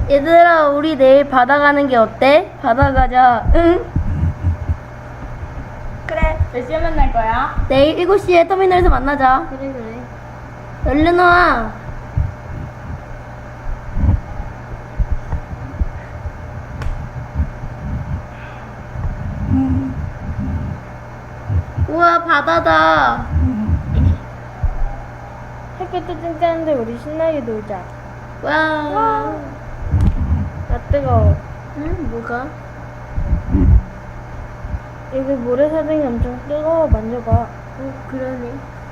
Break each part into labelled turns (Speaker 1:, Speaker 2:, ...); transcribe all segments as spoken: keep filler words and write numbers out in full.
Speaker 1: 얘들아, 우리 내일 바다 가는 게 어때? 바다 가자. 응?
Speaker 2: 그래. 몇 시에 만날 거야?
Speaker 1: 내일 일곱 시에 터미널에서 만나자.
Speaker 2: 그래 그래.
Speaker 1: 얼른 와. 우와, 바다다.
Speaker 2: 햇빛도 쨍쨍한데 우리 신나게 놀자.
Speaker 1: 와.
Speaker 2: 나 뜨거워.
Speaker 1: 응, 뭐가?
Speaker 2: 여기 모래사장이 엄청 뜨거워. 만져봐.
Speaker 1: 어, 그러네.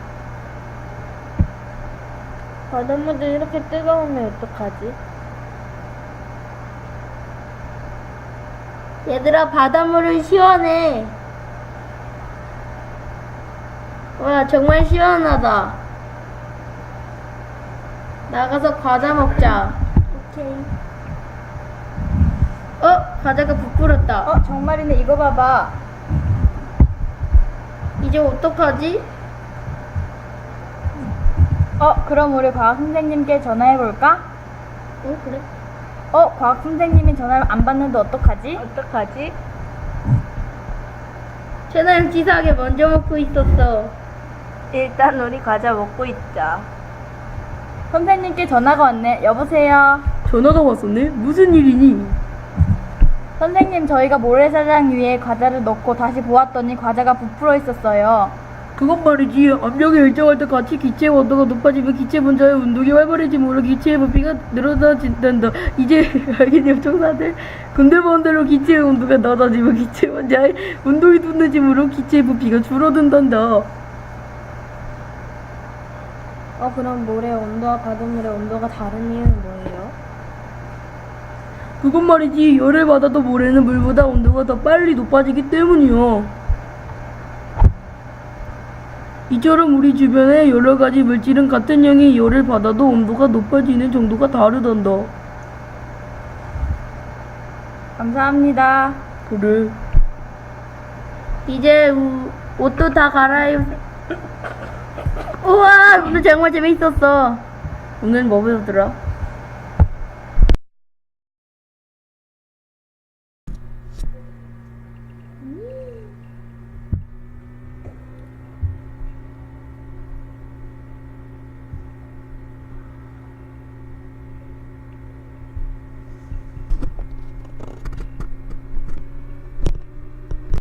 Speaker 2: 바닷물도 이렇게 뜨거우면 어떡하지?
Speaker 1: 얘들아, 바닷물은 시원해. 와, 정말 시원하다. 나가서 과자 먹자.
Speaker 2: 오케이.
Speaker 1: 어? 과자가 부풀었다.
Speaker 2: 어 정말이네. 이거 봐봐.
Speaker 1: 이제 어떡하지?
Speaker 2: 어 그럼 우리 과학 선생님께 전화해 볼까?
Speaker 1: 어, 그래?
Speaker 2: 어 과학 선생님이 전화를 안 받는데 어떡하지? 어떡하지?
Speaker 1: 채널 치사하게 먼저 먹고 있었어.
Speaker 2: 일단 우리 과자 먹고 있자. 선생님께 전화가 왔네. 여보세요.
Speaker 1: 전화가 왔었네? 무슨 일이니?
Speaker 2: 선생님, 저희가 모래사장 위에 과자를 넣고 다시 보았더니 과자가 부풀어 있었어요.
Speaker 1: 그것 말이지. 압력이 일정할 때 같이 기체의 온도가 높아지면 기체 분자의 운동이 활발해지므로 기체의 부피가 늘어나진단다. 이제 알겠네요, 청사들. 근데 반대로 기체의 온도가 낮아지면 기체 분자의 운동이 둔해지므로 기체의 부피가 줄어든단다.
Speaker 2: 어, 그럼 모래 온도와 바닷물의 온도가 다른 이유는 뭐예요?
Speaker 1: 그것 말이지. 열을 받아도 모래는 물보다 온도가 더 빨리 높아지기 때문이요. 이처럼 우리 주변의 여러 가지 물질은 같은 양의 열을 받아도 온도가 높아지는 정도가 다르단다.
Speaker 2: 감사합니다.
Speaker 1: 그래. 이제 우, 옷도 다 갈아입. 우와, 오늘 정말 재밌었어. 오늘 뭐 배웠더라?